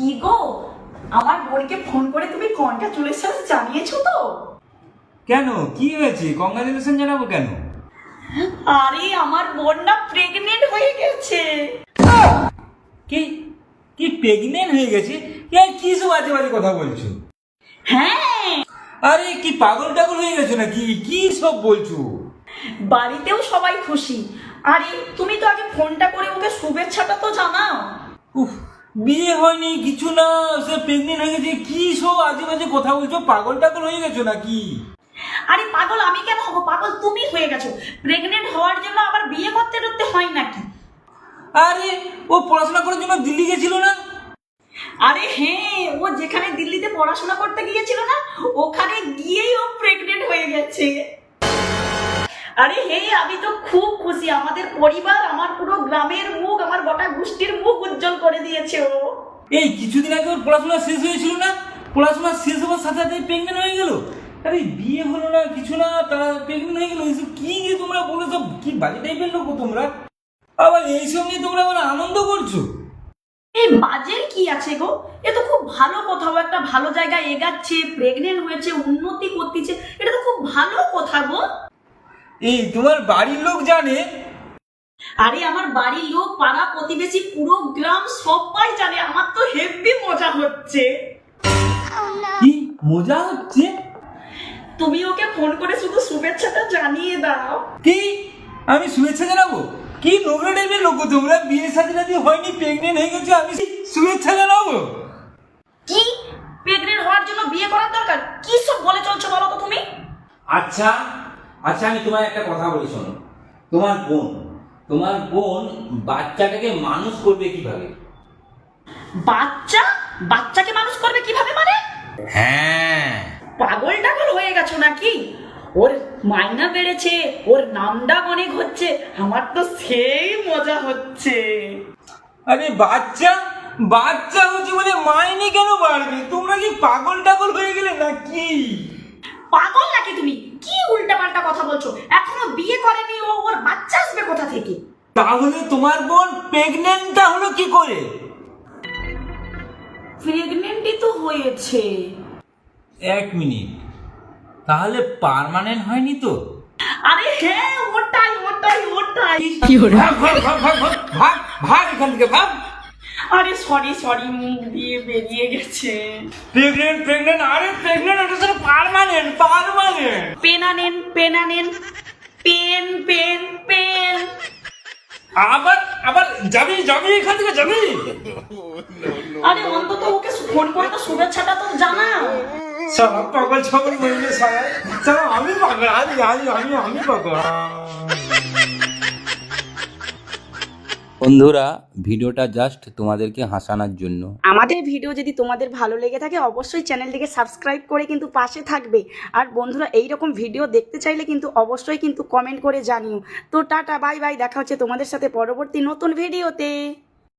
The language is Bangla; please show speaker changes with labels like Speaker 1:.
Speaker 1: কি গো, আমার বোনকে ফোন করে তুমি কনগ্রাচুলেশন জানিয়েছো তো?
Speaker 2: কেন, কি হয়েছে? কংগ্রাচুলেশন জানাবো কেন?
Speaker 1: আরে আমার বোন না প্রেগনেন্ট হয়ে গেছে।
Speaker 2: কি কি প্রেগনেন্ট হয়ে গেছে? কি সব বাজে বাজে কথা বলছো?
Speaker 1: হ্যাঁ,
Speaker 2: আরে কি পাগল টাগল হয়ে গেছো নাকি? কি সব বলছো?
Speaker 1: বাড়িতেও সবাই খুশি। আরে তুমি তো আগে ফোনটা করে ওকে শুভেচ্ছাটা তো জানাও।
Speaker 2: উফ, বিয়ে হয়নি কিছু না, সে প্রেগনেন্ট হয়ে গেছে, কি সব আজে বাজে কথা বলছো? পাগল টাগল হয়ে গেছো নাকি?
Speaker 1: আরে পাগল আমি কেন হবো, পাগল তুমি হয়ে গেছো। প্রেগনেন্ট হওয়ার জন্য আবার বিয়ে করতে করতে হয় নাকি?
Speaker 2: আরে ও পড়াশোনা করার জন্য দিল্লি গেছিল না?
Speaker 1: আরে হ্যাঁ, ও যেখানে দিল্লিতে পড়াশোনা করতে গিয়েছিল না, ওখানে গিয়েই ও প্রেগনেন্ট হয়ে গেছে। আরে হ্যাঁ, আমি তো খুব খুশি। আমাদের পরিবার, আমার পুরো গ্রামের মুখ, আমার গোটা গোষ্ঠীর মুখ উজ্জ্বল করে দিয়েছে ও।
Speaker 2: এই কিছুদিন আগে ওর পড়াশোনা শেষ হয়েছিল না? পড়াশোনা শেষ হওয়ার সাথে সাথে প্রেগনেন্ট হয়ে গেল। আরে বিয়ে হলো না কিছু না, তারা প্রেগনেন্ট হয়ে গেল। এইসব কি যে তোমরা বলো, সব কি বাজে টাইপের লোক তোমরা। আবার এইসব নিয়ে তোমরা আবার আনন্দ করছো?
Speaker 1: এই বাজের কি আছে গো? এ তো খুব ভালো কথা, ও একটা ভালো জায়গায় এগাচ্ছে, প্রেগনেন্ট হয়েছে, উন্নতি করতেছে, এটা তো খুব ভালো কথা গো।
Speaker 2: এই তোমার বাড়ির লোক জানে?
Speaker 1: আরে আমার বাড়ির লোক, পাড়া প্রতিবেশী, পুরো গ্রাম সবাই জানে। আমার তো হেব্বি মজা হচ্ছে।
Speaker 2: কি মজা হচ্ছে?
Speaker 1: তুমি ওকে ফোন করে শুধু শুভেচ্ছাটা জানিয়ে দাও।
Speaker 2: কি আমি শুভেচ্ছা জানাবো? কি নোংরা টাইপের লোক তোমরা! বিয়ে সাথে সাথে হয়নি, প্রেগনেন্ট হয়ে গেছো, আমি শুভেচ্ছা জানাবো?
Speaker 1: কি প্রেগনেন্ট হওয়ার জন্য বিয়ে করার দরকার? কি সব বলে চলছো বলো তো তুমি?
Speaker 3: আচ্ছা আচ্ছা, আমি তোমার একটা কথা বলি শোনো। তোমার বোন বাচ্চাটাকে মানুষ করবে কিভাবে?
Speaker 1: বাচ্চা? বাচ্চাকে মানুষ করবে কিভাবে মানে?
Speaker 3: হ্যাঁ,
Speaker 1: পাগল টাগল হয়ে গেছো নাকি? ওর মাইনা বেড়েছে, ওর নামডাক অনেক হচ্ছে, আমার তো সেই মজা হচ্ছে।
Speaker 2: আরে বাচ্চা বাচ্চা হচ্ছে বলে মাইনে কেন বাড়বে? তোমরা কি পাগল টাগল হয়ে গেলে নাকি?
Speaker 1: পাগল নাকি তুমি? কি উল্টাপাল্টা কথা বলছো? এখনো বিয়ে করেনি ও, ওর বাচ্চা আসবে কোথা থেকে?
Speaker 2: তাহলে তোমার বোন প্রেগনেন্টটা হলো কি করে?
Speaker 1: প্রেগনেন্টই তো হয়েছে।
Speaker 2: এক মিনিট, তাহলে পার্মানেন্ট হয়নি তো?
Speaker 1: আরে হ্যাঁ, ওটাই ওটাই ওটাই।
Speaker 2: ভাগ ভাগ ভাগ ভাগ ভাগ ভাগ ভাগ এখান থেকে ভাগ।
Speaker 1: আরে সরি সরি, মুখ দিয়ে বেরিয়ে গেছে।
Speaker 2: প্রেগনেন্ট আরে প্রেগনেন্ট এটা তো পার্মানেন্ট।
Speaker 1: পেনা নেন, পেনা নেন, পেন পেন পেন।
Speaker 2: আবার আবার যাবি এখান থেকে যাবি?
Speaker 1: আরে অন্তত ওকে ফোন করে তো শুভেচ্ছাটা তো জানাও।
Speaker 2: সারা পাগল ছাগল বলবে সারা। সারা আমি পাগল, আমি পাগল।
Speaker 3: বন্ধুরা, ভিডিওটা জাস্ট তোমাদেরকে হাসানোর জন্য।
Speaker 4: আমাদের ভিডিও যদি তোমাদের ভালো লেগে থাকে অবশ্যই চ্যানেলটিকে সাবস্ক্রাইব করে কিন্তু পাশে থাকবে। আর বন্ধুরা, এই রকম ভিডিও দেখতে চাইলে কিন্তু অবশ্যই কিন্তু কমেন্ট করে জানিও। তো টাটা, বাই বাই, দেখা হচ্ছে তোমাদের সাথে পরবর্তী নতুন ভিডিওতে।